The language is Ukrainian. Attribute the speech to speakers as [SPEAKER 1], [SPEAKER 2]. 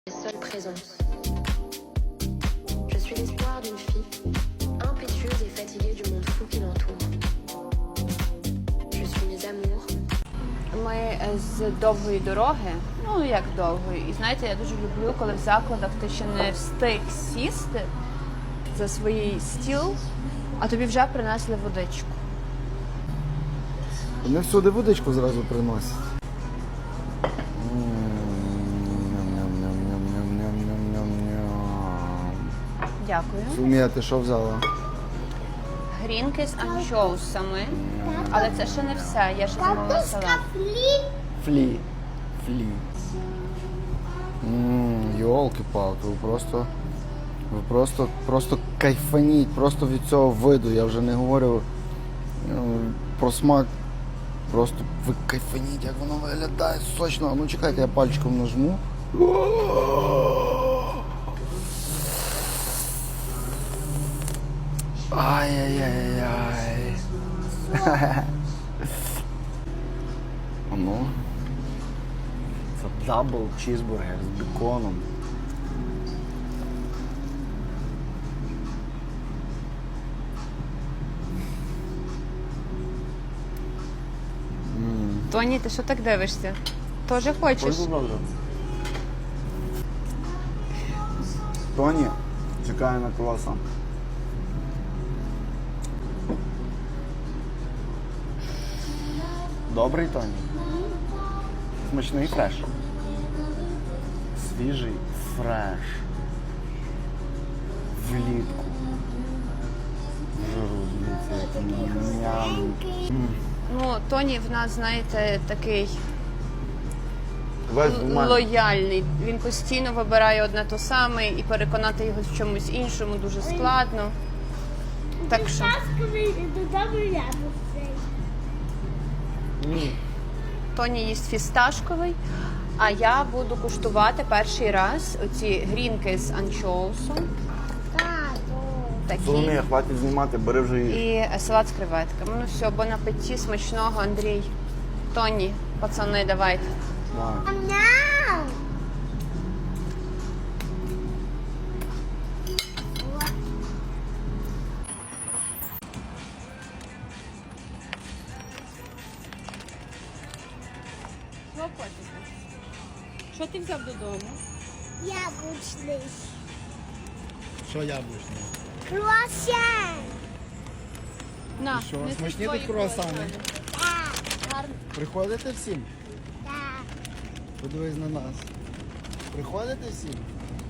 [SPEAKER 1] Seule présence. Je suis l'espoir d'une fille, impétueuse et fatiguée du monde fou qui l'entoure. Je suis mes amours.
[SPEAKER 2] Ми з довгої дороги, ну як довгої, і знаєте, я дуже люблю, коли в закладах ти ще не встиг сісти за свій стіл, а тобі вже принесли водичку.
[SPEAKER 3] Вони всюди водичку зразу приносять.
[SPEAKER 2] Дякую.
[SPEAKER 3] Сумія, ти що взяла?
[SPEAKER 2] Грінки з анчоусами, але це ще не все, я ще замовила салат.
[SPEAKER 3] Флі. Йолки-палки, ви просто кайфаніть, просто від цього виду. Я вже не говорю про смак. Просто ви кайфаніть, як воно виглядає сочно. Ну чекайте, я пальчиком нажму. Ай-яй-яй-яй. Ну. Це дабл чізбургер з беконом.
[SPEAKER 2] Тоні, ти що так дивишся? Тоже хочеш?
[SPEAKER 3] Тоні чекає на круасан. Добрий, Тоні? Смачний фреш? Свіжий фреш. Влітку. Жиру, дивіться, який ням.
[SPEAKER 2] Ну, Тоні в нас, знаєте, такий
[SPEAKER 3] Весь
[SPEAKER 2] лояльний. Він постійно вибирає одне то саме і переконати його в чомусь іншому дуже складно. Так що Тоні їсть фісташковий, а я буду куштувати перший раз оці грінки з анчоусом. Такі.
[SPEAKER 3] Соломія, хватить знімати, бери вже її.
[SPEAKER 2] І салат з креветками. Ну все, бон апеті, смачного, Андрій. Тоні, пацани, давайте. Що котики? Що ти взяв додому?
[SPEAKER 4] Яблучний.
[SPEAKER 3] Що яблучне?
[SPEAKER 4] Круасан.
[SPEAKER 2] На,
[SPEAKER 3] що,
[SPEAKER 2] неси
[SPEAKER 3] смачні
[SPEAKER 2] свої
[SPEAKER 3] тут круасани?
[SPEAKER 2] круасани.
[SPEAKER 4] Так,
[SPEAKER 3] Приходите всім?
[SPEAKER 4] так.
[SPEAKER 3] Подивись на нас. Приходите всім?